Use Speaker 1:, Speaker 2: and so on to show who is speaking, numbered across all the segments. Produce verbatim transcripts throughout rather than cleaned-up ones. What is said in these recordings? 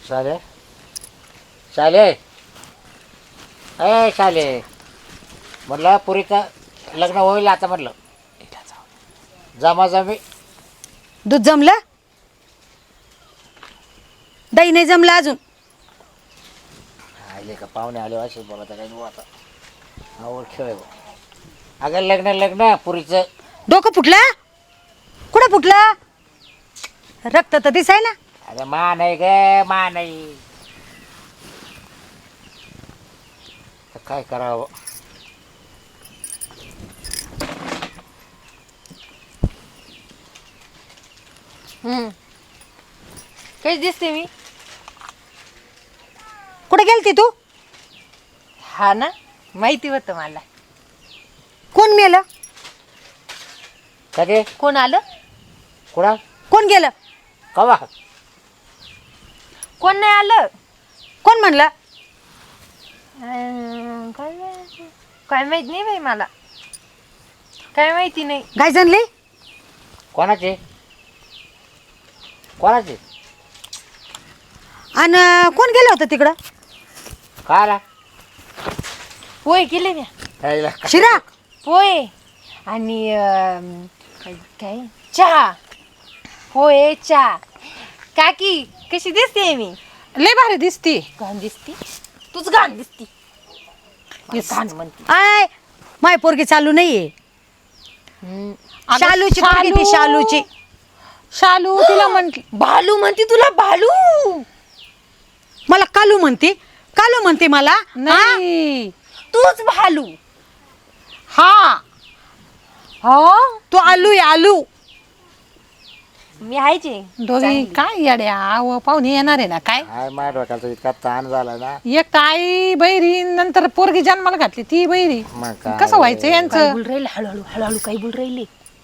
Speaker 1: शाले शाले ए शाले म्हटलं पुरीचं लग्न होईल आता म्हटलं जमा जमी
Speaker 2: दूध जमलं दही नाही जमलं अजून
Speaker 1: आले का पाहुणे आले असे बोला तर काही आता आवड खेळ अगं लग्न लग्न पुरीचं
Speaker 2: डोकं फुटलं कुठं फुटलं रक्त तर दिसाय ना
Speaker 1: अगं मा नाही ग मा नाही तर काय करावं
Speaker 3: हम्म कशी दिसते मी
Speaker 2: कुठे गेलती तू
Speaker 3: हा ना माहिती होतं मला
Speaker 2: कोण मेलं
Speaker 1: कधी
Speaker 3: कोण आलं
Speaker 1: कुणा
Speaker 2: कोण गेलं
Speaker 1: कवा
Speaker 3: कोण नाही आलं
Speaker 2: कोण म्हणलं
Speaker 3: अं, काय माहिती- काय माहित नाही बाई मला काय माहिती नाही
Speaker 2: गाय जनली
Speaker 1: कोणाचे कोणाचे
Speaker 2: आणि कोण गेलं होतं तिकडं
Speaker 1: काय आला
Speaker 3: पोहे केले ना
Speaker 1: यायला.
Speaker 2: शिरा
Speaker 3: पोहे आणि अं, काय काय चहा पोहे चहा काकी कशी दिसते मी
Speaker 4: लय भारी दिसती.
Speaker 3: घाण दिसती तूच घाण दिसती मला घाण म्हणती
Speaker 2: आय माय पोरगी चालू नाहीये
Speaker 3: हम्म.
Speaker 4: अगं,
Speaker 2: शालूची पोरगी ती शालूची
Speaker 4: शालू तिला म्हंटली
Speaker 3: भालू म्हणती तुला भालू
Speaker 2: मला कालू म्हणते कालू म्हणते मला हा?
Speaker 4: नाही
Speaker 3: तूच भालू
Speaker 4: हा
Speaker 3: हो
Speaker 2: तू आलू आहे आलू
Speaker 3: मी आहेचे
Speaker 4: दोघी काय येड्या आव पाहुणे येणार आहे ना काय
Speaker 1: काय माझ्या डोक्याचा इतका ताण झाला ना
Speaker 4: एक तर आई बैरी नंतर पोरगी जन्माला घातली ती बैरी
Speaker 1: मग काय
Speaker 4: कसं व्हायचं
Speaker 3: काय
Speaker 4: यांचं
Speaker 3: बोल राहिले हळूहळू हळूहळू काही बोल राहिले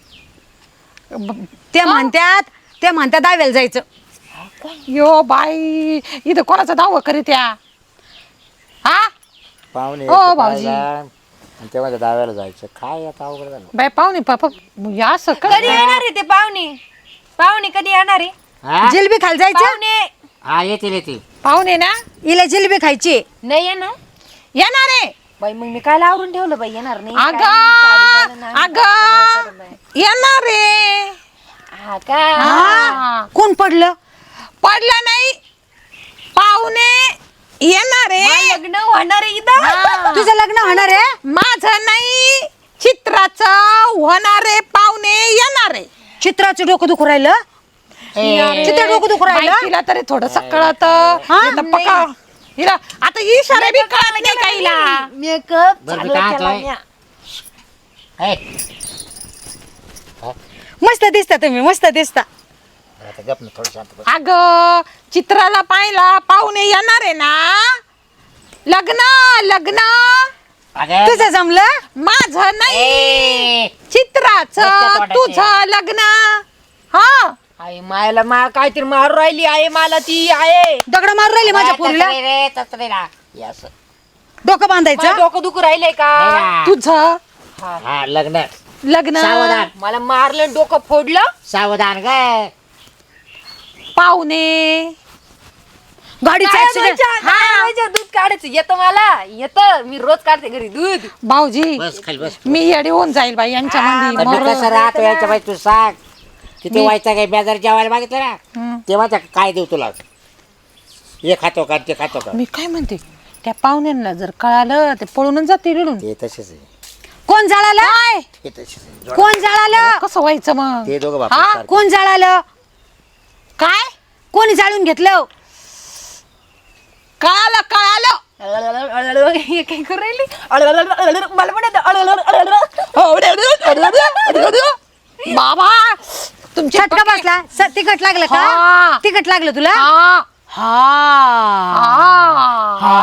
Speaker 2: ते म्हणतात ते म्हणतात दाव्याला जायचं
Speaker 4: यो बाई इथं कोणाचा दावा करीत या हा
Speaker 1: पाहुणे
Speaker 4: हो,
Speaker 1: यायचे
Speaker 4: भाऊजी.
Speaker 1: पाहायला, आणि तेव्हा त्या दाव्याला जायचं काय आता अवघड झालं
Speaker 4: बाई पाहुणे पापा या असं कर
Speaker 3: कधी येणार आहे ते पाहुणे पाहुणे कधी येणार आहे
Speaker 1: हा?
Speaker 2: जिलबी खायला जायचं
Speaker 3: पाहुणे
Speaker 1: हा येतील येतील
Speaker 4: पाहुणे ना
Speaker 2: हिला जिलबी खायची
Speaker 3: नाही येणार
Speaker 4: येणार आहे
Speaker 3: बाई मग मी काय आवरून ठेवलं बाई येणार नाही काय
Speaker 4: अगं
Speaker 3: नाही, साडी घालून नाही,
Speaker 4: अगं
Speaker 3: सगळं करून बाई.
Speaker 4: येणार आहे
Speaker 3: हा का
Speaker 4: हा.
Speaker 2: कोण पडलं
Speaker 4: पडलं नाही पाहुणे येणार
Speaker 3: मला
Speaker 4: आहे
Speaker 3: लग्न होणार आहे इथं
Speaker 4: हा.
Speaker 2: तुझं लग्न होणार आहे
Speaker 4: माझं नाही चित्राचं होणारे पाहुणे येणार आहे
Speaker 2: चित्राचं डोकं दुखू राहिलं
Speaker 1: ए,
Speaker 2: चित्र डोकं दुखू
Speaker 4: बाई,
Speaker 2: राहिलं
Speaker 4: तिला तरी थोडस कळत पका हिला आता इशारे बी कळत नाही का हिला
Speaker 3: मेकअप
Speaker 1: बरं, मी
Speaker 3: चालू
Speaker 1: काय
Speaker 3: केला
Speaker 1: म्हणतोय?
Speaker 3: म्या.
Speaker 1: ए,
Speaker 2: मस्त दिसता तुम्ही मस्त दिसता
Speaker 1: आता गप ना थोडं शांत बस.
Speaker 4: अग चित्राला पाहिला पाहुणे येणार आहे ना लग्न लग्न
Speaker 1: अगं,
Speaker 2: तुझं जमलं
Speaker 4: माझं नाही
Speaker 1: ए,
Speaker 4: चित्राचं
Speaker 1: नुसतं तोंडाचे.
Speaker 4: तुझं लग्न हा
Speaker 3: आई मायला मा काहीतरी मारू राहिली आहे मला ती आहे
Speaker 2: दगड मारून राहिली माझ्या
Speaker 1: तसं
Speaker 2: पोरीला
Speaker 1: नाही रे, तसं नाही ना. हे असं.
Speaker 2: डोकं बांधायचं
Speaker 3: माझं डोकं दुखू राहिलंय का
Speaker 1: नाही ना.
Speaker 4: तुझं
Speaker 1: हा लग्न
Speaker 4: लग्न
Speaker 1: सावधान
Speaker 3: मला मारलं डोकं फोडलं
Speaker 1: सावधान ग
Speaker 4: पाहुणे
Speaker 2: गाडीचा
Speaker 3: काय
Speaker 2: ऍक्सिडेंट
Speaker 3: व्हायचं? काय व्हायचं? दूध काढायचं येतं मला येतं मी रोज काढते घरी दूध
Speaker 4: भाऊजी
Speaker 1: बस खाली बस
Speaker 4: मी येडी होऊन जाईल बाई यांच्या
Speaker 1: आता मी
Speaker 4: मध्ये
Speaker 1: कसं राहतो याच्या बाई तू सांग किती
Speaker 4: मी-
Speaker 1: व्हायचं काय बेजार जेवायला मागितलं ना
Speaker 4: हं.
Speaker 1: तेव्हा त्या काय देऊ तुला हे खातो का ते खातो का
Speaker 4: मी काय म्हणते त्या पाहुण्यांना जर कळालं ते पळूनच जाते रिडून
Speaker 1: ते तसेच आहे
Speaker 2: कोण जळालं
Speaker 1: ते तसेच आहे.
Speaker 2: कोण जळालं
Speaker 4: कसं व्हायचं मग
Speaker 1: ते दोघं
Speaker 4: हा?
Speaker 1: बाप
Speaker 2: कोण जळालं
Speaker 4: काय
Speaker 2: कोणी जाळून घेतलं
Speaker 4: कळालं कळालं
Speaker 3: हे काय करू राहिली मला पण येतं.
Speaker 4: बाबा तुमचे
Speaker 2: चटका बसला स- तिखट लागलं
Speaker 4: हा.
Speaker 2: का तिखट लागलं तुला
Speaker 4: हा
Speaker 2: हा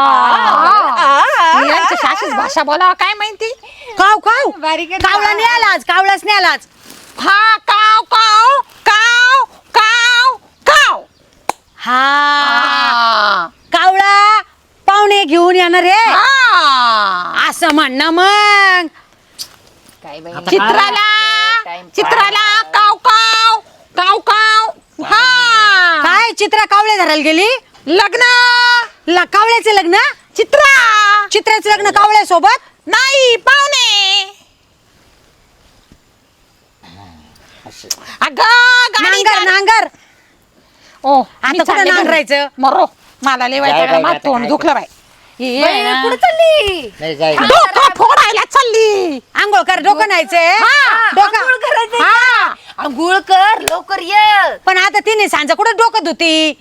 Speaker 4: हा. यांची शाशीच भाषा बोला काय माहिती
Speaker 2: काव काव
Speaker 3: बारीक आहे.
Speaker 2: कावळा नाही आला आज कावळाच नाही आला आज
Speaker 4: हा काव काव काव काव काव
Speaker 2: हा
Speaker 4: हा.
Speaker 2: कावळा पाहुणे घेऊन येणार रे
Speaker 4: हा.
Speaker 2: असं म्हणणं मग
Speaker 3: काय बाई
Speaker 4: चित्राला
Speaker 3: टाइम
Speaker 4: चित्राला काव काव काव काव हा
Speaker 2: काय चित्रा कावळे धरायला गेली
Speaker 4: लग्न
Speaker 2: ल कावळ्याचे लग्न
Speaker 4: चित्रा
Speaker 2: चित्राचं लग्न कावळ्यासोबत
Speaker 4: नाही पाहुणे
Speaker 1: असं.
Speaker 4: अगं गाडी
Speaker 2: नांगर नांगर
Speaker 4: ओ
Speaker 2: आता कुठं नांगरायचं?
Speaker 4: मरो मला लय
Speaker 1: जाय बाई,
Speaker 4: वाईट
Speaker 1: आता
Speaker 4: तोंड
Speaker 1: काय
Speaker 4: दुखलं बाई ये
Speaker 3: बाई,
Speaker 4: ना.
Speaker 3: कुठं चालली
Speaker 1: नाही जाय
Speaker 4: डोकं फोडायला चालली
Speaker 2: आंघोळ कर डोकं न्हायचंय
Speaker 3: हा,
Speaker 2: डोकं
Speaker 3: आंघोळ करायचंय
Speaker 2: हा.
Speaker 3: का? आंघोळ कर लवकर ये.
Speaker 2: पण आता तिने सांजा कुठं डोकं धुती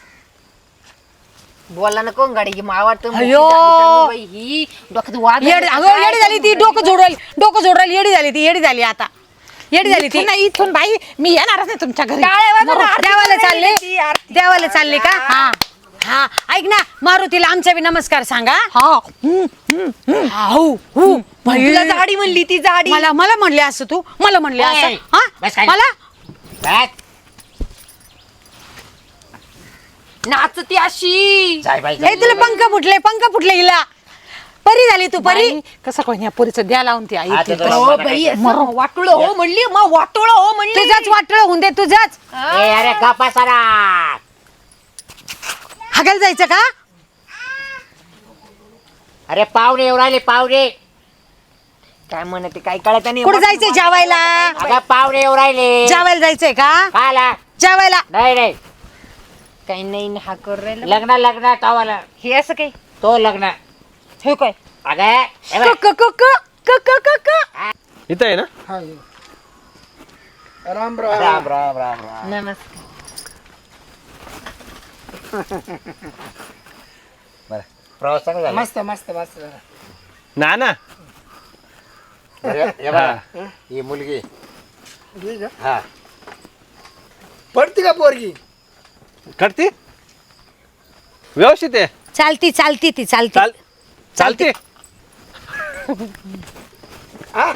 Speaker 3: बोला ना कोण गाडी मावाट
Speaker 2: अयो.
Speaker 3: ही डोक्यात वाद
Speaker 2: येडी अगं येडी झाली ती डोकं जोडल डोकं जोडल येडी झाली ती येडी झाली आता येडी झाली ती
Speaker 4: इथून नाही इथून बाई मी येणारच नाही तुमच्या घरी
Speaker 2: देवाला चालले देवाला चालले का हा हा ऐक ना मारुतीला आमच्या बी नमस्कार सांगा
Speaker 4: हा
Speaker 2: हा, हो हो बाई.
Speaker 3: तुला जाडी म्हणली ती जाडी
Speaker 2: मला मला म्हणले असं तू मला म्हणले
Speaker 1: ए,
Speaker 2: असं
Speaker 1: बस
Speaker 2: हा
Speaker 1: खाली.
Speaker 2: मला
Speaker 1: जाय.
Speaker 3: नाचती अशी
Speaker 1: जाय बाई
Speaker 2: हे
Speaker 1: जाय.
Speaker 2: तुला पंख फुटले पंख फुटले हिला परी झाली तू परी
Speaker 4: बाई, कसं कोण या पोरीचं द्या लावून ती आई
Speaker 1: हा,
Speaker 4: ती.
Speaker 1: ते तर-
Speaker 3: हो बाई असं वाटोळं हो म्हणली मग वाटोळं हो म्हणली
Speaker 2: तुझाच वाटळ होऊन दे तुझाच
Speaker 1: ए अरे गप्पा सारा
Speaker 2: हागायला जायचं का
Speaker 1: अरे पाहुणे येऊ राहिले पाहुणे
Speaker 3: काय म्हणते काय कळत नाही
Speaker 2: कुठे जायचंय जेवायला
Speaker 1: अगं पाहुणे येऊ राहिले
Speaker 2: जेवायला जायचंय का
Speaker 1: खाला
Speaker 2: जेवायला
Speaker 1: नाही नाही
Speaker 3: काही नाही हा कर राहिला
Speaker 1: लग्न लग्न कावाला
Speaker 3: हे असं काही
Speaker 1: तो लग्न
Speaker 3: हे काय
Speaker 1: अगं हे बघ.
Speaker 2: क क क क क क क
Speaker 5: इथं आहे ना
Speaker 1: राम राम राम राम राम
Speaker 3: नमस्कार
Speaker 1: बरं प्रवास चांगला झाला
Speaker 6: मस्त मस्त मस्त
Speaker 5: ना ना
Speaker 1: अरे, हे बघ, ही मुलगी
Speaker 6: ठीक आहे.
Speaker 1: हा
Speaker 6: पडती का पोरगी
Speaker 5: करते व्यवस्थित आहे
Speaker 2: चालती चालती ती चालती
Speaker 5: चाल चालते
Speaker 6: हा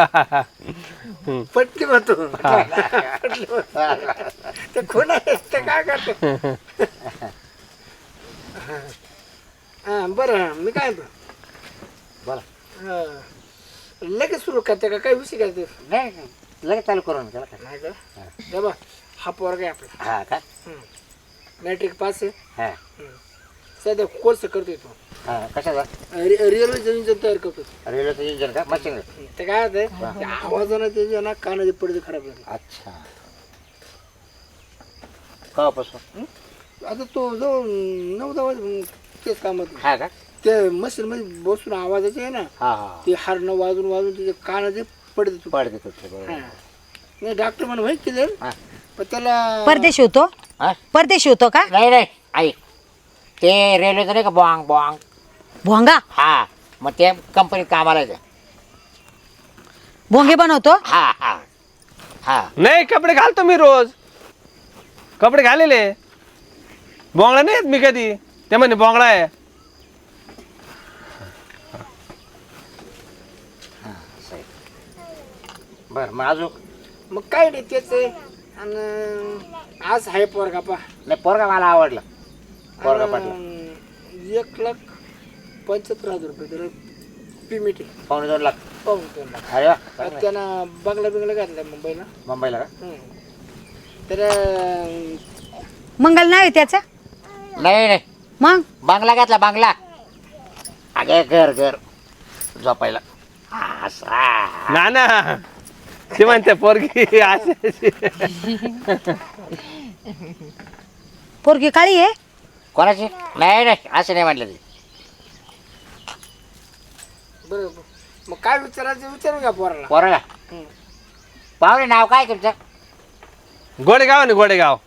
Speaker 6: पटली म्हणतो ते कोण आहे ते काय करतो हा बरं मी काय म्हणतो
Speaker 1: बोला
Speaker 6: हा. लगेच सुरू करते का काय विषय काय ते
Speaker 1: नाही नाही, लगेच चालू करून त्याला काय
Speaker 6: नाही का हे बघ हा पोरगा आहे आपला
Speaker 1: हा का
Speaker 6: मॅट्रिक पास आहे
Speaker 1: हा
Speaker 6: सध्या कोर्स करतोय तो
Speaker 1: हा कशाचा
Speaker 6: रेल्वे इंजिन तयार करतो
Speaker 1: रेल्वेचं इंजिन का मशीन
Speaker 6: ते काय होतंय आवाजानं त्याच्या ना कानाचे पडदे खराब झाले
Speaker 1: अच्छा कवापासून
Speaker 6: आता तो जो नऊ दहा वाज तेच कामात
Speaker 1: हा का
Speaker 6: ते मशीन मध्ये बसून आवाजाचे आहे ना
Speaker 1: हा हा
Speaker 6: ते हारणं वाजून वाजून तिचे कानाचे पडदे तुटले.
Speaker 1: पड देतो ते बरोबर
Speaker 6: हा. नाही डॉक्टर म्हणून होईल केलं
Speaker 1: हा
Speaker 6: पण त्याला
Speaker 2: परदेशी होतो
Speaker 1: हा?
Speaker 2: परदेशी होतो का
Speaker 1: नाही नाही ऐक ते रेल्वेचं नाही का बॉंग बॉंग
Speaker 2: भोंगा
Speaker 1: हा मग ते कंपनीत कामाला आहे ते.
Speaker 2: भोंगे बनवतो
Speaker 1: हा हा हा
Speaker 5: नाही कपडे घालतो मी रोज कपडे घालेले बोंगळा नाही येत मी कधी ते म्हणे बोंगळा आहे
Speaker 1: बरं मग अजून
Speaker 6: मग काय नाही तेच आहे आणि आज आहे पोरगा पा
Speaker 1: नाही पोरगा मला आवडला पोरगा पटला
Speaker 6: आणि एक लाख पंच्याहत्तर हजार रुपये त्याला पेमेंट आहे
Speaker 1: पावणे दोन लाख
Speaker 6: पाहून दोन लाख
Speaker 1: अरे वा
Speaker 6: आता
Speaker 1: चांगलं आहे.
Speaker 6: त्यानं बंगला बिंगला घातलाय मुंबईला
Speaker 1: मुंबईला का
Speaker 6: हम्म. तर
Speaker 2: मंगल नाव आहे त्याचं
Speaker 1: नाही नाही
Speaker 2: मग
Speaker 1: बांगला घातला बांगला अगे घर घर झोपायला हा, असा.
Speaker 5: ना ना ते म्हणते पोरगी अशी अशी.
Speaker 2: पोरगी काळी आहे
Speaker 1: कोणाची नाही नाही असं नाही म्हटलं ते
Speaker 6: बरं मग काय विचारायचं विचारू का पोराला
Speaker 1: पोराला
Speaker 6: हम्म.
Speaker 1: पाहुणे नाव काय तुमचं
Speaker 5: गोडेगाव आहे ना गोडेगाव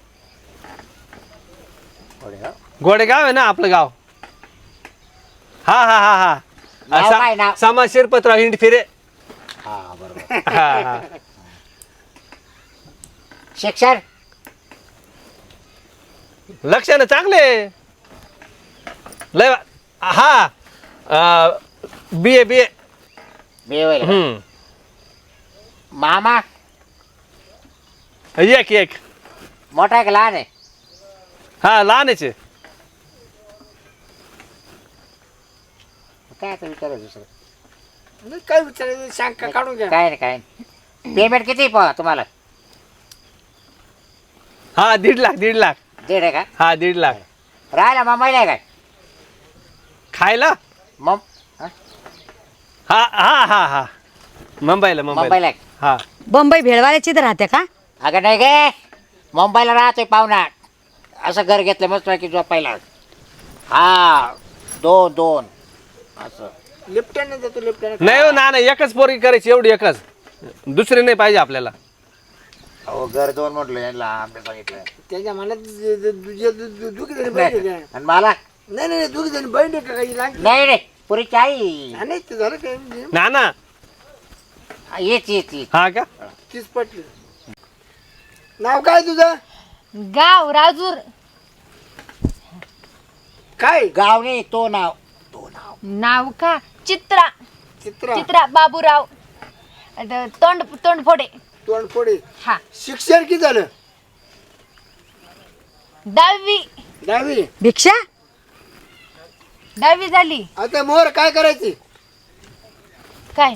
Speaker 1: गोडेगाव.
Speaker 5: गोडेगाव आहे ना आपलं गाव हा हा हा हा
Speaker 1: नाव काय नाव?
Speaker 5: सा- समाज शिरपतराव हिंड फिरे
Speaker 1: हा बरोबर
Speaker 5: हा हा
Speaker 1: शिक्षण
Speaker 5: लक्षानं चांगले लय वा- हा बी ए बी ए
Speaker 1: बेवल
Speaker 5: हम्म
Speaker 1: मामा
Speaker 5: एक एक
Speaker 1: मोठा आहे का लहान आहे
Speaker 5: हा लहानच आहे
Speaker 1: काय आता विचारायचं दुसरं
Speaker 6: नाही, काय विचारायचं शंका काढून घ्या
Speaker 1: काय नाही काय नाही पेमेंट किती आहे प- तुम्हाला
Speaker 5: हा दीड लाख दीड लाख
Speaker 1: दीड आहे का
Speaker 5: हा दीड लाख
Speaker 1: राहिला मुंबईला आहे काय
Speaker 5: खायला
Speaker 1: मग
Speaker 5: हा हा हा हा मुंबईला मुंबईला
Speaker 1: मुंबईला आहे.
Speaker 5: हा
Speaker 2: बंबई भेळवाल्याची तर राहते का?
Speaker 1: अगं नाही गे मुंबईला राहतोय पाहुणा असं घर घेतलं मस्त की झोपायला हा दोन दोन असं
Speaker 6: लिफ्टने जातो लिफ्टने
Speaker 5: नाही हो ना नाही एकच पोरगी करायची एवढी एकच दुसरी नाही पाहिजे आपल्याला.
Speaker 1: अहो घर दोन म्हटलं यांना आम्ही सांगितलं
Speaker 6: त्याच्या मनात दुखी जणी बहीण आहे का?
Speaker 1: आणि मला
Speaker 6: नाही नाही दुखी जणी बहीण आहे का काही लागली
Speaker 1: नाही रे पुरीची आई
Speaker 6: नाही ते झालं काय
Speaker 5: ना ना
Speaker 1: येच येच येच
Speaker 5: हा का
Speaker 6: तीच पटली. नाव काय तुझं
Speaker 3: गाव राजूर.
Speaker 6: काय
Speaker 1: गाव नाही तो नाव तो नाव
Speaker 3: नाव का चित्रा.
Speaker 6: चित्रा
Speaker 3: चित्रा बाबूराव आता तोंड तोंडफोडे.
Speaker 6: तोंडफोडे.
Speaker 3: हा
Speaker 6: शिक्षण किती झालं
Speaker 3: दहावी.
Speaker 6: दहावी.
Speaker 2: भिक्षा
Speaker 3: दहावी झाली.
Speaker 6: आता मोर काय करायची
Speaker 3: काय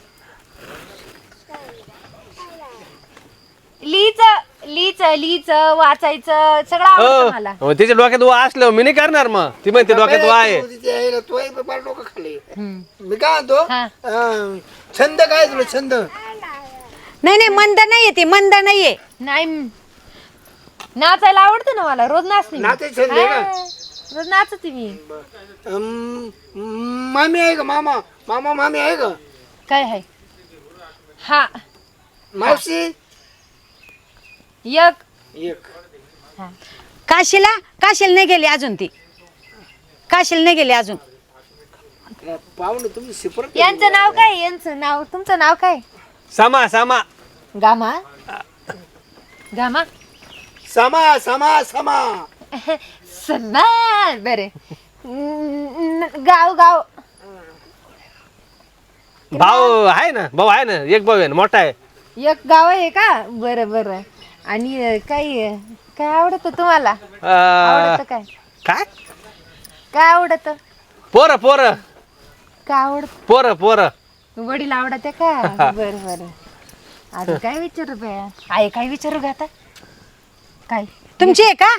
Speaker 3: लिहिचं लिहिचं लिहिचं वाचायचं सगळं आवडतं मला.
Speaker 5: हो तिच्या डोक्यात वा असलं मी नाही करणार मग ती म्हणते डोक्यात वा आहे.
Speaker 6: तो फार डोकं खाल्ले मी काय म्हणतो
Speaker 3: हा.
Speaker 6: अं, छंद काय तुला छंद
Speaker 2: नाही नाही मंद नाहीये ती मंद नाहीये.
Speaker 3: नाही नाचायला आवडतं ना मला रोज नाचते मी.
Speaker 6: नाचायचं छंद आहे का?
Speaker 3: हा, रोज नाचते मी.
Speaker 6: अं, मामी आहे का मामा मामा मामी आहे का
Speaker 3: काय आहे हा
Speaker 6: मावशी
Speaker 3: एक
Speaker 6: एक
Speaker 2: काशीला काशीला नाही गेली अजून ती काशीला नाही गेली अजून.
Speaker 6: पाहुणे तुम्ही शिपरत
Speaker 3: यांचं नाव काय यांचं नाव तुमचं नाव काय
Speaker 5: सामा सामा
Speaker 3: गामा गामा
Speaker 6: समा समा समा
Speaker 3: सन्मान बरे गाव गाव
Speaker 5: भाऊ आहे ना भाऊ आहे ना एक भाऊ आहे ना मोठा आहे.
Speaker 3: एक गाव आहे का बरं बरं आणि अं, काय काय आवडत तुम्हाला
Speaker 5: अं,
Speaker 3: आवडत काय
Speaker 5: काय
Speaker 3: काय आवडत
Speaker 5: पोरं पोरं
Speaker 3: काय आवडत
Speaker 5: पोरं पोरं
Speaker 3: वडील आवडत का बरं बरं अजून काय विचारू बया आहे काय विचारू का आता काय
Speaker 2: तुमची आहे का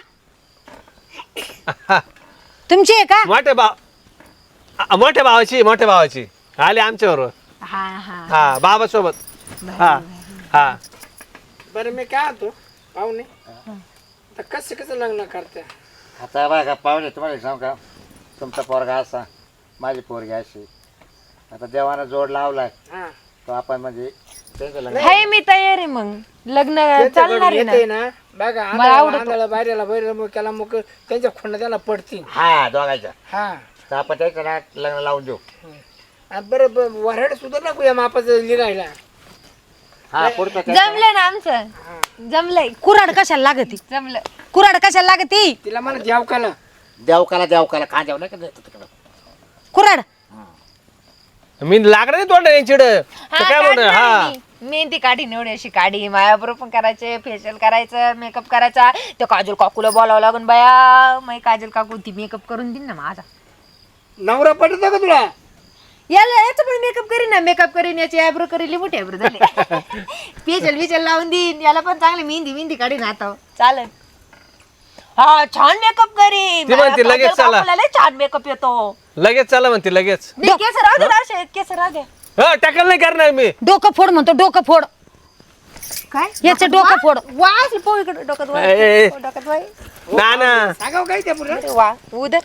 Speaker 2: तुमची आहे का?
Speaker 5: मोठ्या भाव अ- मोठ्या भावाची मोठ्या भावाची आले आमच्या बरोबर
Speaker 3: हा हा
Speaker 5: हा बाबा सोबत हा हा
Speaker 6: बरं मी काय होतो पाहुणे आता कसं कसं लग्न करते
Speaker 1: आता बघा पाहुणे तुम्हाला सांग का तुमचा पोरगा असा माझी पोरगी अशी आता देवानं जोड लावलाय
Speaker 6: हा
Speaker 1: तो आपण म्हणजे त्यांचं लग्न
Speaker 3: हाय मी तयार आहे मग लग्न चालणार आहे ना
Speaker 6: येते ना बघा
Speaker 3: मला आवडतं.
Speaker 6: आंधळा बाहेरला बाहेर मग त्याला मग त्यांच्या खोंड त्याला पडतील
Speaker 1: हा दोघायचं
Speaker 6: हा
Speaker 1: तर आपण त्याचं ना लग्न लावून देऊ
Speaker 6: आणि बरं ब- वऱ्हाड सुद्धा नको या मापाचं लिहायला
Speaker 1: हा पुढचं त्या-
Speaker 3: जमलं ना आमचं जमलंय
Speaker 2: कुराड कशाला लागती
Speaker 3: जमलं
Speaker 2: कुराड कशाला लागती
Speaker 6: तिला मला द्यावकाला
Speaker 1: देवकाला देवकाला खांद्यावर नाही का देतं तिकडं
Speaker 2: कुराड
Speaker 5: मी लागणार नाही तोंड चिड
Speaker 3: हा,
Speaker 5: काय म्हणत
Speaker 3: काढणार
Speaker 5: हा
Speaker 3: मी. मेहंदी काढी निवडी अशी काढी मायाबरोबर पण करायचे फेशियल करायचं मेकअप करायचा ते काजल काकूला बोलावं लागून बाया मग काजल काकू ती मेकअप करून देईन ना माझा
Speaker 6: नवरा पटतो का तुला
Speaker 3: याला याचं पण मेकअप करीन ना मेकअप करीन याची आयब्रो करीन मोठी आयब्रो झाले फेशियल विचल लावून देईन याला पण चांगली मेहंदी मेहंदी काढीन आता चालेल हा छान मेकअप करीन
Speaker 5: ती म्हणते लगेच
Speaker 3: काजल
Speaker 5: चला.
Speaker 3: काकूला लय छान मेकअप येतो
Speaker 5: लगेच चला म्हणते लगेच
Speaker 3: नाही केस राहू दे राहू दे, केस राहू दे
Speaker 5: हा टाकल नाही करणार मी
Speaker 2: डोकं फोड म्हणतो डोकं फोड
Speaker 3: काय
Speaker 2: याचं डोकं फोड.
Speaker 3: वा असली पोळी इकडे डोक्यात वा.
Speaker 5: ए, ए, ए.
Speaker 3: डोक्यात वाय
Speaker 5: ना ना
Speaker 6: सांगाव काय त्या पुढे
Speaker 3: अरे वा उदर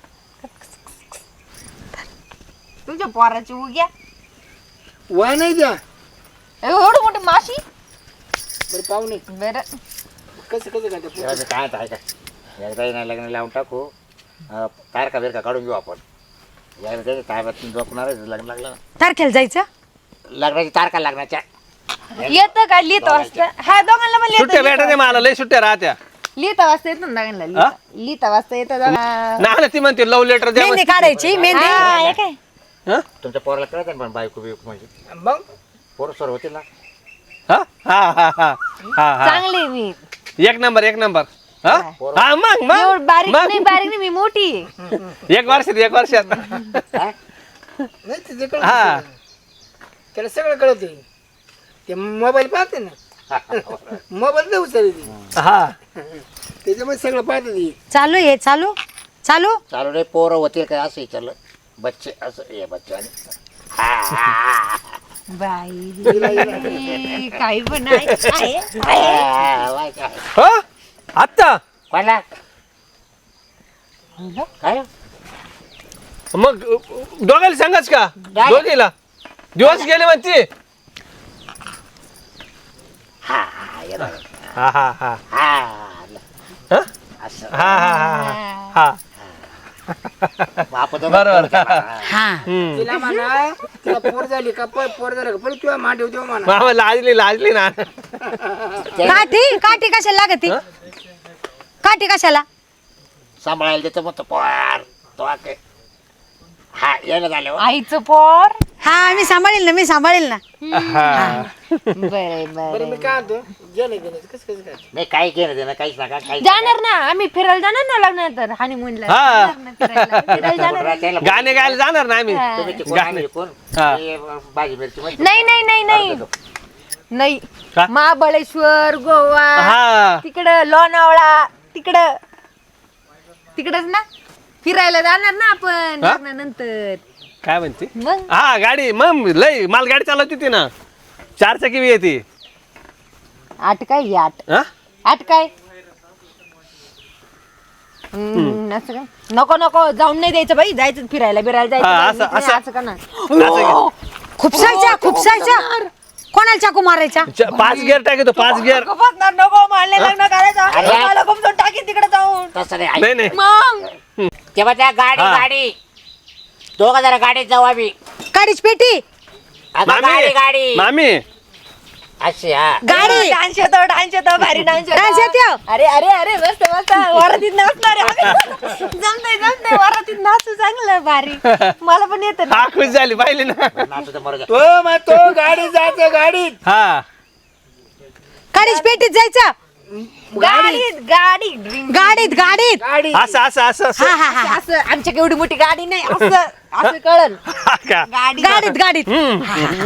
Speaker 3: तुमच्या पोराची उग्या
Speaker 6: वा नाही द्या
Speaker 3: एवढं मोठी माशी
Speaker 6: बरं पाहुणे
Speaker 3: बरं
Speaker 6: कसं कसं काय
Speaker 1: तेव्हा मी काय आहे का एकदा ना लग्न लावून टाकू अं, तारका बिरका काढून घेऊ आपण एकदा त्याच्या ताब्यात झोपणार लग्न लागलं ना.
Speaker 2: तारखेला जायचं
Speaker 1: लग्नाची तारखा लागण्याच्या
Speaker 3: येतं का लिहिता वाजता हा दोघांना पण
Speaker 5: सुट्ट्या
Speaker 3: लिहिता
Speaker 5: भेटायच्या मला लय सुट्ट्या राहत्या
Speaker 3: लिहिता वाजता येतं ना दोघांना लिहिता लिहिता वाजता येतं दोघांना.
Speaker 5: ना ना ती म्हणते लव लेटर द्या
Speaker 2: मेहंदी काढायची मेहंदी
Speaker 3: हा, हे काय
Speaker 5: हा?
Speaker 1: तुमच्या पोराला कळत ना पण बायको बियको म्हणजे
Speaker 6: मग
Speaker 1: पोरं सर होतील ना
Speaker 5: हा हा हा हा हा हा
Speaker 3: चांगली मी
Speaker 5: एक नंबर एक नंबर हा हा मग मग
Speaker 3: एवढं बारीक
Speaker 5: मग
Speaker 3: नाही बारीक नाही मी मोठी आहे.
Speaker 5: एक वर्षात एक वर्षात
Speaker 1: हा?
Speaker 6: नाही ते कळत
Speaker 5: हा
Speaker 6: त्याला सगळं कळत ते मोबाईल पाहते ना मोबाईल नाही उचलली ती
Speaker 5: हा
Speaker 6: त्याच्यामुळे सगळं पाहते ती
Speaker 2: चालू आहे चालू चालू
Speaker 1: चालू रे पोरं होतील काय असं विचारलं बच्चे असं ये बच्चे आणि हा, हा,
Speaker 3: बाई काही पण आहे आहे.
Speaker 1: हा, वाय काय.
Speaker 5: हो आत्ता
Speaker 1: कोणाला काय
Speaker 5: मग दोघांना सांगाच का
Speaker 1: काय?
Speaker 5: दोघीला दिवस गेले म्हणते
Speaker 1: हा हा ये बघ.
Speaker 5: हा हा हा
Speaker 1: हा
Speaker 5: हा
Speaker 1: असं
Speaker 5: हा हा हा
Speaker 1: बाप तो
Speaker 5: बरोबर.
Speaker 2: हा
Speaker 5: हम्म.
Speaker 6: तिला म्हणा तिला पोर झाली का प- पोर झालं का पण तुला मांडव देऊ म्हणा
Speaker 5: मामा लाजली लाजली ना
Speaker 2: काठी काठी कशाला लागती काठी कशाला
Speaker 1: सांभाळायला देतो मग तो पोर तो काय हा यायला झालं हो.
Speaker 3: आईचं पोर
Speaker 2: हा मी सांभाळेल ना मी सांभाळेल ना
Speaker 5: हा.
Speaker 3: बरे
Speaker 6: बरं
Speaker 3: बरे
Speaker 6: मी काय म्हणतो गेलं गेलं कसं कसं काय
Speaker 1: नाही काही केलं ते ना काहीच नका काही
Speaker 3: जाणार ना आम्ही फिरायला जाणार ना लग्नानंतर हनीमूनला
Speaker 5: हा.
Speaker 3: जाणार ना फिरायला फिरायला जाणार
Speaker 5: गाणे गायला जाणार ना आम्ही
Speaker 1: तुम्ही ते कोण
Speaker 5: गाणे.
Speaker 1: आम्ही कोण
Speaker 5: हा.
Speaker 1: हे भाजी मिरची माहिती
Speaker 3: नाही नाही नाही नाही
Speaker 1: अर्धा
Speaker 3: नाही
Speaker 5: का?
Speaker 3: महाबळेश्वर गोवा
Speaker 5: हा
Speaker 3: तिकडं लोणावळा तिकडं तिकडच ना फिरायला जाणार ना आपण
Speaker 5: हा?
Speaker 3: लग्नानंतर
Speaker 5: काय म्हणते
Speaker 3: मग
Speaker 5: हा गाडी मग लय माल गाडी चालवती ती ना चार चाकी बी येते
Speaker 3: आठ काय घे आठ
Speaker 5: हा?
Speaker 3: आठ काय हम्म, असं काय नको नको जाऊन नाही द्यायचं बाई जायचं फिरायला बिरायला
Speaker 5: हा,
Speaker 3: जायचं
Speaker 5: असं-
Speaker 3: नाही,
Speaker 5: असं-
Speaker 3: असं का ना
Speaker 2: खुपसायच्या खुपसायच्या कोणाला चाकू मारायच्या
Speaker 5: च- पाच गिअर टाकतो पाच गिअर
Speaker 3: नको बसणार, नको मारले लग्न करायचं
Speaker 1: अरे.
Speaker 3: मला खूप जाऊन टाकी तिकडे जाऊन
Speaker 1: तसं नाही ऐक.
Speaker 5: नाही नाही
Speaker 3: मग
Speaker 1: तेव्हा त्या गाडी
Speaker 5: हा.
Speaker 1: गाडी दोघं जरा गाडीत जाऊ आम्ही
Speaker 2: काडीच पेटी
Speaker 1: अगं गाडी
Speaker 5: मामी
Speaker 1: गाडी
Speaker 5: मामी
Speaker 1: अशी हा
Speaker 2: गाडी
Speaker 3: डान्स येतो डान्स येतो भारी डान्स
Speaker 2: Dance येतो?
Speaker 3: अरे अरे अरे मस्त मस्त वरातीत नाचणार आहे. जमतंय जमतंय वरातीत नाचू चांगलं भारी मला पण येतं ना
Speaker 5: हा खुश झाली पाहिली ना
Speaker 1: नाचू तर मरू द्या.
Speaker 6: तो मग तो गाडी जायचं गाडीत
Speaker 5: हा
Speaker 2: काडीच पेटीत जायचं
Speaker 3: गाडीत गाडी ड्रिंक
Speaker 2: गाडीत गाडीत
Speaker 6: गाडी
Speaker 5: असं असं असं असं
Speaker 2: हा हा हा
Speaker 3: असं आमच्या केवढी मोठी गाडी नाही असं असं कळल
Speaker 5: हा का
Speaker 3: गाडी
Speaker 2: गाडीत गाडीत
Speaker 5: हम्म.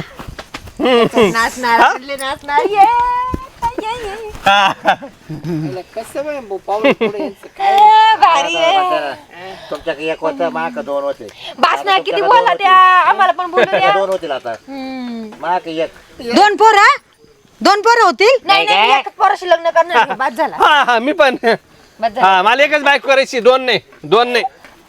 Speaker 3: नाचणार कुठले नाचणार ये ये, ये.
Speaker 5: हा.
Speaker 6: तिला कसं बाई भाऊ, पाऊल पुढे यायचं काय
Speaker 3: ए, भारी आहे
Speaker 1: तुमच्याकडे एक होतं माक दोन होते
Speaker 3: बासना
Speaker 1: आता
Speaker 3: किती
Speaker 1: तुमच्याकडे
Speaker 3: बोला
Speaker 1: दोन
Speaker 3: त्या
Speaker 1: होतील.
Speaker 3: आम्हाला पण बोलू द्या
Speaker 1: दोन होतील आता
Speaker 3: हम्म.
Speaker 1: माक एक
Speaker 2: दोन पोर दोन पोर होतील
Speaker 3: नाही
Speaker 1: नाही
Speaker 3: नाही
Speaker 1: काय?
Speaker 3: एकच पोराशी लग्न करणार मी, बाद झाला
Speaker 5: हा हा मी पण
Speaker 3: बाद झाला
Speaker 5: हा मला एकच बाईक करायची दोन नाही दोन नाही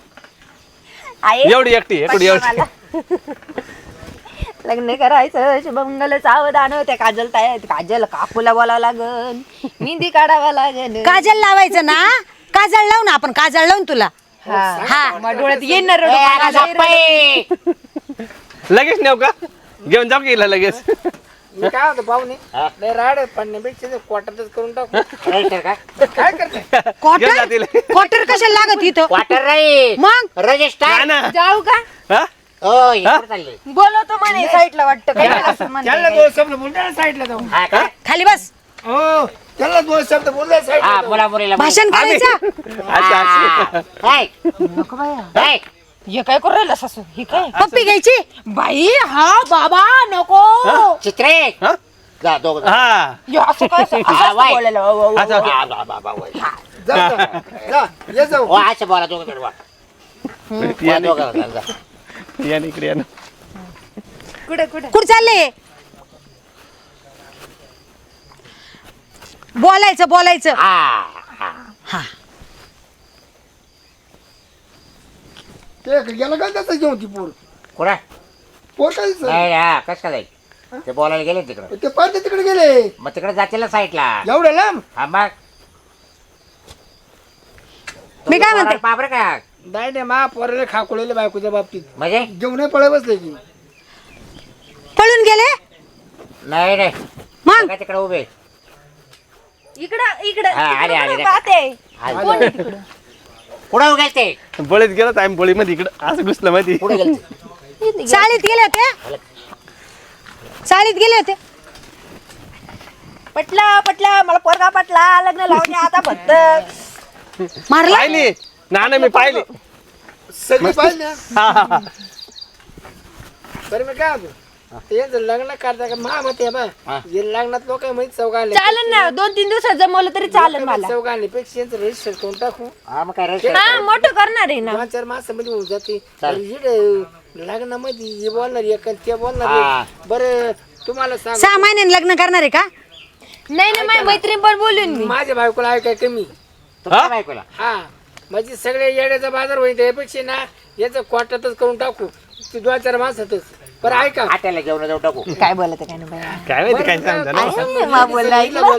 Speaker 3: आहे
Speaker 5: एवढी एकटी एवढी
Speaker 3: पटलं
Speaker 5: एवढी
Speaker 3: मला. लग्न करायचं शुभमंगल सावधान त्या काजल ताय काजल काकूला बोलावं लागन मेहंदी काढावा लागन
Speaker 2: काजल लावायचं ना काजळ लावून आपण काजळ लावून तुला
Speaker 3: हा मग डोळ्यात येणार
Speaker 1: ए, अगं गप्प आहे.
Speaker 5: लगेच नेऊ का घेऊन जाऊ गेला लगेच
Speaker 6: मी काय होतं पाहुणे
Speaker 1: हा.
Speaker 6: लय राड पडण्यापेक्षा ते क्वार्टरच करून टाकू
Speaker 1: राईटर का
Speaker 6: काय करते
Speaker 5: घेऊन
Speaker 2: क्वार्टर
Speaker 5: जातील
Speaker 2: क्वार्टर कशाला लागत इथं
Speaker 1: क्वार्टर राई
Speaker 2: मग
Speaker 1: रजिस्टर
Speaker 5: ना ना
Speaker 3: जाऊ का
Speaker 5: हा?
Speaker 1: हो इकडे चालले
Speaker 3: बोलवतो म्हणे साईडला वाटतं काय असं म्हणते.
Speaker 6: त्याला दोन शब्द बोलता साईडला जाऊन
Speaker 1: हा का
Speaker 2: खाली बस
Speaker 6: हो त्याला दोन शब्द बोलता
Speaker 1: हा
Speaker 6: साईडला
Speaker 1: मुला मुलीला
Speaker 2: भाषण करायचं
Speaker 5: अच्छा अच्छा
Speaker 3: नको बाया हे काय करू राहिला सासू हे काय
Speaker 2: पप्पी घ्यायची
Speaker 3: बाई हा बाबा नको
Speaker 1: चित्रे
Speaker 5: हा?
Speaker 1: जा दोघ
Speaker 5: हा
Speaker 3: हे असं काय असं- असं
Speaker 1: हा,
Speaker 3: असं
Speaker 1: वाई.
Speaker 3: बोलायला वा, वा, वा.
Speaker 5: अच्छा
Speaker 6: जा जा, जा ये जाऊ
Speaker 1: हो असं बोला दोघं जण वा. वा, दोघं जण, जा.
Speaker 5: या ना इकडे या ना
Speaker 3: कुठे कुठे
Speaker 2: कुठं चालले बोलायचं बोलायचं
Speaker 1: हा हा
Speaker 2: हा
Speaker 6: ते गेला काय त्याचं घेऊन ती पोर
Speaker 1: कुठं
Speaker 6: पोर काय दिसत?
Speaker 1: नाही हा कस काय जाईल ते बोलायला गेले तिकडं
Speaker 6: ते पाहिजे तिकडे गेले
Speaker 1: मग तिकडे जातील ना साईडला
Speaker 6: एवढ्या लांब
Speaker 1: हा मग
Speaker 2: मी काय म्हणते?
Speaker 1: बापरे का
Speaker 6: नाही नाही मा पोराला खाकुळेले बायकोच्या बाबतीत
Speaker 1: म्हणजे
Speaker 6: घेऊन पळे बसले की
Speaker 2: पळून गेले
Speaker 1: नाही नाही
Speaker 2: मग
Speaker 1: काय तिकडे उभे
Speaker 3: इकडं इकडं
Speaker 1: हा, आले,
Speaker 3: तिकडं
Speaker 1: आले,
Speaker 3: कुठं
Speaker 1: रे.
Speaker 3: पाहते
Speaker 1: आले.
Speaker 3: कोण आहे तिकडं
Speaker 1: कुठं उभे ते
Speaker 5: बळीत गेलो आम्ही बळीमध्ये इकडं असं घुसलं मध्ये
Speaker 1: कुठे गेले
Speaker 2: चाळीत गेले होते चाळीत गेले होते
Speaker 3: पटला पटला मला पोरगा पटला लग्न लावून द्या आता फक्त
Speaker 2: मारला
Speaker 5: पाहिली ना ना मी पाहिली
Speaker 6: सगळी पाहिजे ना
Speaker 5: हा हा हा
Speaker 6: बरं मी काय होतो यांचं लग्न करता का मा मत आहे बा
Speaker 1: हा.
Speaker 6: हे लग्नात लोक माहित चौघाले
Speaker 3: चालेल ना दोन तीन दिवसात जमवलं तरी चालेल मला
Speaker 6: चौघाले पेक्षा यांचं रजिस्टर करून टाकू
Speaker 1: हा मग काय रजिस्टर
Speaker 3: हा मोठं करणार आहे ना
Speaker 6: दोन चार मासामध्ये होऊन जाते
Speaker 1: चालेल.
Speaker 6: इकडे लग्नामध्ये हे बोलणार एक आणि ते बोलणार
Speaker 1: हा.
Speaker 6: एक. बरं तुम्हाला सांग
Speaker 2: सहा महिन्याने लग्न करणार आहे का
Speaker 3: नाही ना माझी मैत्रीण पण बोलून मी
Speaker 6: माझ्या बायकोला आहे काय कमी
Speaker 1: तुमच्या बायकोला
Speaker 6: हा म्हणजे सगळे येड्याचा बाजार होईल त्यापेक्षा ना याचं क्वार्टातच करून टाकू ते दोन चार मासातच बरं ऐका
Speaker 1: हॉटेलला जेवण जाऊ टाकू
Speaker 3: काय बोलत काय ना बाई
Speaker 5: काय माहिती काय सांगता
Speaker 3: मा बोलला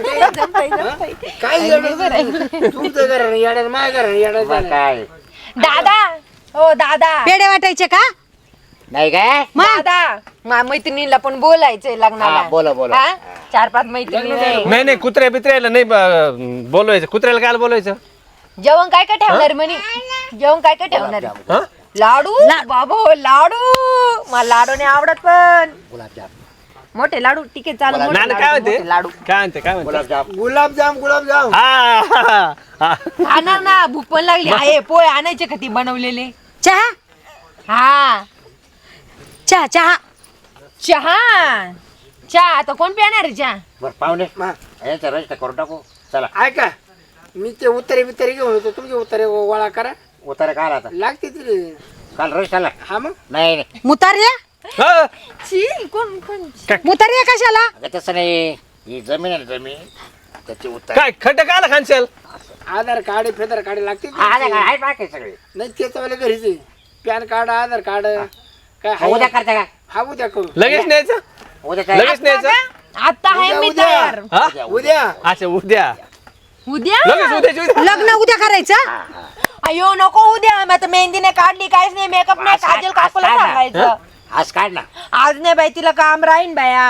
Speaker 6: काय येडं तुमचं घर येड्या माझ्या घर येड्या
Speaker 1: मग काय
Speaker 3: दादा हो दादा
Speaker 2: पेढे वाटायचे का
Speaker 1: नाही काय
Speaker 3: दादा मा मैत्रिणीला पण बोलायचंय लग्नाला
Speaker 1: हा, बोला, बोला.
Speaker 3: हा? चार पाच मैत्रिणी आहे.
Speaker 5: नाही नाही कुत्र्या बित्र्याला नाही ब- बोलवायचं कुत्र्याला काय बोलवायचं
Speaker 3: जेवण काय काय ठेवणार म्हणे जेवण काय काय ठेवणार आहे?
Speaker 5: हा
Speaker 3: लाडू बाबो लाडू मला लाडू नाही आवडत पण
Speaker 1: गुलाबजाम
Speaker 3: मोठे लाडू ठीक आहे चालू
Speaker 5: नाना काय म्हणते
Speaker 3: मोठे लाडू
Speaker 5: काय म्हणते काय म्हणते
Speaker 1: गुलाबजाम
Speaker 6: गुलाबजाम गुलाबजाम
Speaker 5: हा हा, हा.
Speaker 3: खाणार ना भूक पण लागली आहे पोळे आणायचे का ती बनवलेले
Speaker 2: चहा
Speaker 3: हा
Speaker 2: चहा चहा
Speaker 3: चहा चहा आता कोण पिणार आहे चहा
Speaker 1: बरं पाहुणे
Speaker 6: हा.
Speaker 1: याचं रजिस्टर करून टाकू चला
Speaker 6: ऐका मी ते उत्तरे बित्तरे घेऊन होतो तुमचे उत्तरे गोळा करा
Speaker 1: उतारा काय आता
Speaker 6: लागते तिथे
Speaker 1: काल रजिस्टरला
Speaker 6: हा मग
Speaker 1: नाही नाही
Speaker 2: मुतार्या
Speaker 5: हा.
Speaker 3: छी कोण कोण
Speaker 2: मुतार्या कशाला
Speaker 1: अगं तसं नाही ही जमीन आहे ना जमीन त्याची उत्तर
Speaker 5: काय खड्डा काय आला खानशेल
Speaker 6: आधार कार्ड फेदर कार्ड लागते
Speaker 1: हा नाही काय आहे बाकी सगळे
Speaker 6: नाही त्याच्या वेळेला घरीच आहे पॅन कार्ड आधार कार्ड काय
Speaker 1: मग उद्या
Speaker 6: आहे?
Speaker 1: करता का
Speaker 6: हा उद्या करू
Speaker 5: लगेच न्यायचं
Speaker 1: उद्या काय
Speaker 5: लगेच न्यायचं
Speaker 3: आता आहे
Speaker 6: उद्या,
Speaker 3: मी
Speaker 6: उद्या.
Speaker 3: तयार
Speaker 5: हा
Speaker 6: उद्या
Speaker 5: अच्छा उद्या
Speaker 3: उद्या
Speaker 5: लगेच उद्याची उद्या
Speaker 2: लग्न उद्या करायचं
Speaker 3: अयो नको उद्या मी आता मेहंदी नाही काढली काहीच नाही मेकअप नाही
Speaker 1: आज काय-
Speaker 3: काजल काकूला
Speaker 1: आज काय ना?
Speaker 3: सांगायचं
Speaker 1: आज काढ ना
Speaker 3: आज नाही बाई तिला काम राहीन बाया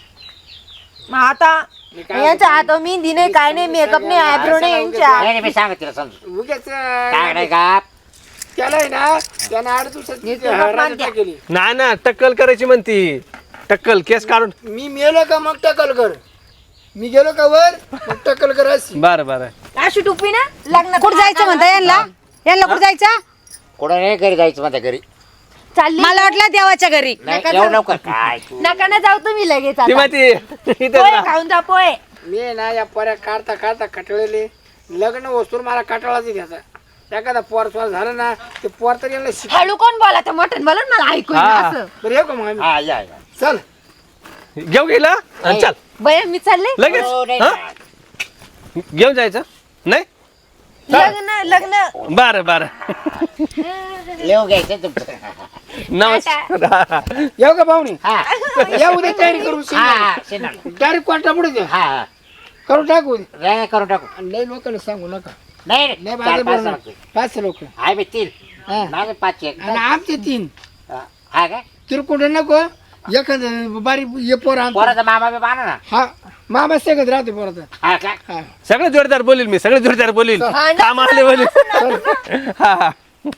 Speaker 3: मग आता यांचा आता मेहंदी नाही काय नाही मेकअप नाही आयब्रो नाही यांच्या
Speaker 1: नाही नाही, मी सांगत तिला समजू
Speaker 6: उद्याच
Speaker 1: काय नाही का
Speaker 6: त्याला आहे ना त्यानं आठ दिवसात केली
Speaker 5: नाही ना टक्कल करायची म्हणती टक्कल केस काढून
Speaker 6: मी मेलो का मग टकल कर मी गेलो का वर मग टकल कर अशी
Speaker 5: बरं बरं
Speaker 3: अशी टुपी ना लग्न
Speaker 2: कुठं जायचं म्हणता यांना यांना कुठं जायचं
Speaker 1: कोणा नाही घरी जायचं माझ्या घरी
Speaker 3: चालली
Speaker 2: मला वाटलं देवाच्या घरी
Speaker 1: नाही एवढं लवकर काय तू
Speaker 3: नका ना जाऊ तुम्ही लगेच
Speaker 5: ती
Speaker 3: आता.
Speaker 5: माहिती इथं
Speaker 3: पोहे
Speaker 5: ना.
Speaker 3: खाऊन जा पोहे
Speaker 6: मी ना या पर्या काढता काढता कटळले लग्न वस्तूर मला कटाळाच घ्यायचा एखादा पोर स्वर झालं ना ते पोर तर यांना शिक
Speaker 3: हळू कोण बोला तर मोठं बोला ना, मला ऐकू येईना
Speaker 5: हा.
Speaker 3: असं
Speaker 6: बरं येऊ का मग आम्ही
Speaker 1: हा या या.
Speaker 6: चल
Speaker 5: घेऊ गेला आणि चल
Speaker 3: बया मी चालले
Speaker 1: हो,
Speaker 5: लगेच
Speaker 1: नाही,
Speaker 5: हा?
Speaker 1: नाही.
Speaker 5: घेऊन जायचं नाही
Speaker 3: लग्न लग्न
Speaker 5: बरं बरं
Speaker 1: लिहून घ्यायचं तुमचं
Speaker 5: नमस्कार
Speaker 6: येऊ का पाहुणे
Speaker 1: हा
Speaker 6: या उद्या तयारी करू
Speaker 1: हा शेणार.
Speaker 6: डायरेक्ट क्वार्टर पुढे द्या
Speaker 1: हा हा
Speaker 6: करून टाकू
Speaker 1: नाही करून टाकू
Speaker 6: आणि लय लोकांना सांगू नका
Speaker 1: नाही
Speaker 6: लय
Speaker 1: नाही
Speaker 6: बाजार
Speaker 1: चार पाच
Speaker 6: भरणार.
Speaker 1: लागतील.
Speaker 6: पाचशे लोक
Speaker 1: आहे मी तीन
Speaker 6: हा.
Speaker 1: माझे पाच एक
Speaker 6: आणि आमचे तीन
Speaker 1: हा काय
Speaker 6: तिरकुंड नको एखादं बारी ये पोर आमचं
Speaker 1: पोराचा मामा बी बाना ना
Speaker 6: हा मामा सगळं राहते पोराचा
Speaker 1: हा काय
Speaker 6: हा
Speaker 5: सगळे जोरदार बोलील मी सगळे जोरदार बोलील
Speaker 3: हा ना.
Speaker 5: काम आले बोलील हा हा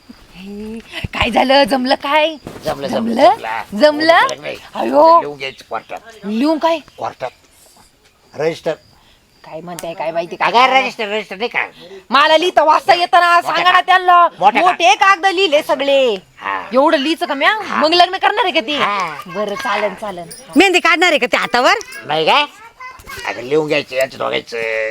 Speaker 3: काय झालं जमलं काय
Speaker 1: जमलं
Speaker 3: जमलं जमलं
Speaker 1: नाही.
Speaker 3: अयो
Speaker 1: लिहून घ्यायचं क्वार्टर
Speaker 3: लिहून काय
Speaker 1: क्वार्टर रजिस्टर
Speaker 3: काय म्हणताय काय माहिती
Speaker 1: काय
Speaker 3: काय
Speaker 1: रजिस्टर रजिस्टर नाही का
Speaker 3: मला लिहिता वाचता येतं ना सांगा ना त्यांना
Speaker 1: मोठे का?
Speaker 3: मोठे कागद लिहिले सगळे
Speaker 1: हा.
Speaker 3: एवढं लिहिचं का म्या मग लग्न करणार आहे का ती
Speaker 1: हा.
Speaker 3: बरं चालन चालन
Speaker 2: मेहंदी काढणार आहे का ते हातावर
Speaker 1: नाही काय अगं लिहून घ्यायचं यांचं दोघायचं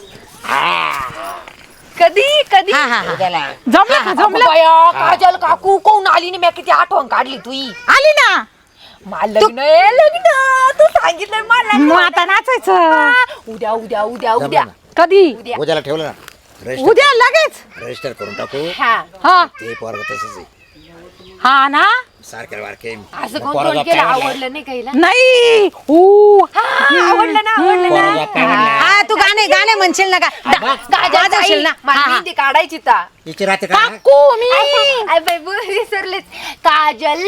Speaker 1: हा
Speaker 3: कधी कधी
Speaker 2: हा हा हा
Speaker 1: उद्याला
Speaker 4: जमलं का जमलं
Speaker 3: बया, काजल काकू कोण आली नाही मी किती आठवण काढली तुई
Speaker 4: आली ना
Speaker 3: मला लग्न आहे, लग्न तू सांगितलं मला
Speaker 4: मग आता नाचायचं
Speaker 3: हा, उद्या उद्या उद्या उद्या
Speaker 4: कधी
Speaker 3: उद्या
Speaker 1: उद्याला ठेवलं ना रजिस्टर
Speaker 4: उद्या लगेच
Speaker 1: रजिस्टर करून टाकू
Speaker 3: हा
Speaker 4: हा
Speaker 1: ते पोरग तसंच आहे
Speaker 4: हा ना
Speaker 1: सारखे वारखे
Speaker 3: असं कोण कोण केलं आवडलं नाही काहीला
Speaker 4: नाही ऊ
Speaker 3: हा, आवडलं ना आवडलं ना
Speaker 2: हा तू गाणे गाणे म्हणशील ना का
Speaker 3: गाजर
Speaker 2: वाजवशील ना
Speaker 3: मला
Speaker 2: हा, हा.
Speaker 3: मेहंदी काढायची ता
Speaker 1: तिची रात्री का
Speaker 4: काकू मी
Speaker 3: आय बाई, बो, विसरलेच काजल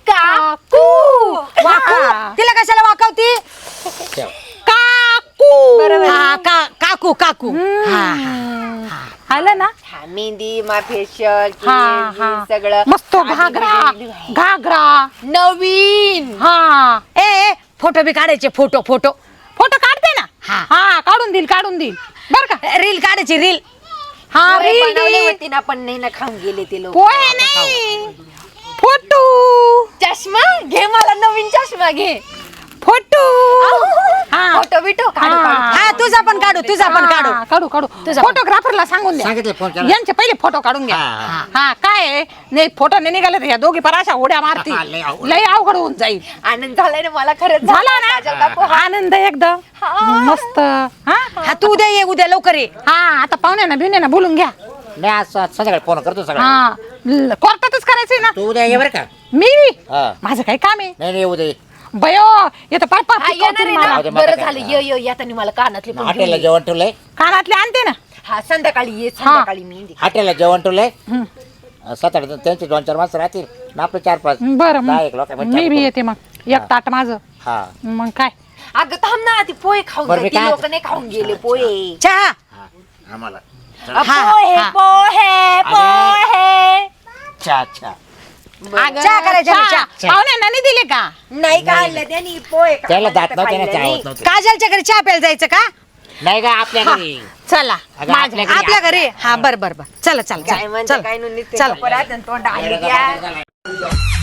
Speaker 3: काकू
Speaker 2: वाकू तिला कशाला वाकवती
Speaker 1: ठेव.
Speaker 4: काकू
Speaker 3: बरोबर.
Speaker 2: हा का काकू काकू हा हा
Speaker 4: आलं ना
Speaker 3: हा, मेहंदी मा फेशियल
Speaker 4: हा हा
Speaker 3: सगळं
Speaker 4: मस्त घागरा घागरा
Speaker 3: नवीन
Speaker 4: हा
Speaker 2: ए ए फोटो बी काढायचे फोटो फोटो
Speaker 4: फोटो काढते ना
Speaker 2: हा.
Speaker 4: हा काढून देईल काढून देईल बर का
Speaker 2: रील काढायची रील
Speaker 4: हा
Speaker 3: पोहे
Speaker 4: रील
Speaker 3: बनवले
Speaker 4: देईल.
Speaker 3: होते ना पण नाही ना खाऊन गेले ते लोक
Speaker 4: पोहे नाही फोटो
Speaker 3: चष्मा घे, मला नवीन चष्मा घे.
Speaker 4: फोटो हा.
Speaker 3: फोटो बिटो काढू काढू.
Speaker 2: हा तुझा पण काढू तुझा पण काढू
Speaker 4: हा, काढू काढू फोटोग्राफरला सांगून द्या
Speaker 1: सांगितलं फोन केला.
Speaker 4: यांचे पहिले फोटो काढून घ्या.
Speaker 1: हा, हा.
Speaker 4: हा काय आहे? नाही फोटो नाही निघाले तर या दोघी पण अशा उड्या मारती
Speaker 1: हा, लय अवघड.
Speaker 4: लय अवघड होऊन जाईल.
Speaker 3: आनंद झालाय ना मला खरंच
Speaker 4: झाला
Speaker 3: काजल काकू.
Speaker 4: ना आनंद एकदम मस्त हा
Speaker 2: हा तू उद्या ये उद्या लवकर ये.
Speaker 4: हा आता पाहुण्यांना बिवण्यांना बोलून घ्या.
Speaker 1: नाही आज संध्याकाळी फोन करतो सगळं.
Speaker 4: हा ल- कोर्टातच करायचंय ना.
Speaker 1: तू उद्या ये बरं का.
Speaker 4: मी
Speaker 1: हा.
Speaker 4: माझं काही काम आहे
Speaker 1: नाही नाही उद्या ये.
Speaker 4: बयो येतं पाय
Speaker 3: हा,
Speaker 4: पाय
Speaker 3: येणार आहे ना.
Speaker 1: जाऊ दे, मला
Speaker 3: बरं
Speaker 1: काय.
Speaker 3: झालं ये ये येताना मला कानातले पण घेऊन
Speaker 1: हॉटेलला
Speaker 3: ये.
Speaker 1: जेवण ठेवलंय.
Speaker 4: कानातले आणते ना.
Speaker 3: हा संध्याकाळी ये संध्याकाळी मी येईन.
Speaker 1: हॉटेलला जेवण ठेवलंय. सात आठ त्यांचे दोन चार माणसं राहतील ना आपले चार पाच.
Speaker 4: बरं
Speaker 1: दहा एक
Speaker 4: मग
Speaker 1: लोकांमध्ये
Speaker 4: मी बी
Speaker 1: चार
Speaker 4: येते मग एक ताट माझं
Speaker 1: हा
Speaker 4: मग काय.
Speaker 3: अगं थांब ना ती पोहे खाऊन
Speaker 1: बरं, मी
Speaker 3: जा. ती
Speaker 1: काय-
Speaker 3: लोक नाही खाऊन गेले पोहे.
Speaker 2: चहा
Speaker 1: हा आम्हाला
Speaker 3: अ,
Speaker 2: हा,
Speaker 3: पोहे
Speaker 2: हा.
Speaker 3: पोहे पोहे.
Speaker 1: अच्छा अच्छा.
Speaker 4: अगं,
Speaker 2: चहा करायचा ना,
Speaker 4: चहा.
Speaker 2: चहा.
Speaker 4: पाहुण्यांना नाही दिले का.
Speaker 3: नाही काढलं त्यांनी पोहे
Speaker 1: त्याला
Speaker 3: खाल्ले
Speaker 1: दात
Speaker 3: तर
Speaker 1: नव्हते ना
Speaker 3: खाल्लं
Speaker 1: चहा
Speaker 3: नाही.
Speaker 1: होत नव्हते.
Speaker 2: काजलच्या घरी चहा प्यायला जायचं का
Speaker 1: नाही का आपल्या घरी.
Speaker 4: चला
Speaker 1: अगं, आपल्या घरी
Speaker 2: आपल्या घरी हा बर बर बर चला चला
Speaker 3: काय
Speaker 2: चला
Speaker 3: म्हणते
Speaker 2: चला
Speaker 3: काय नुसते
Speaker 2: चला.
Speaker 3: परत आणि तोंड आली द्या.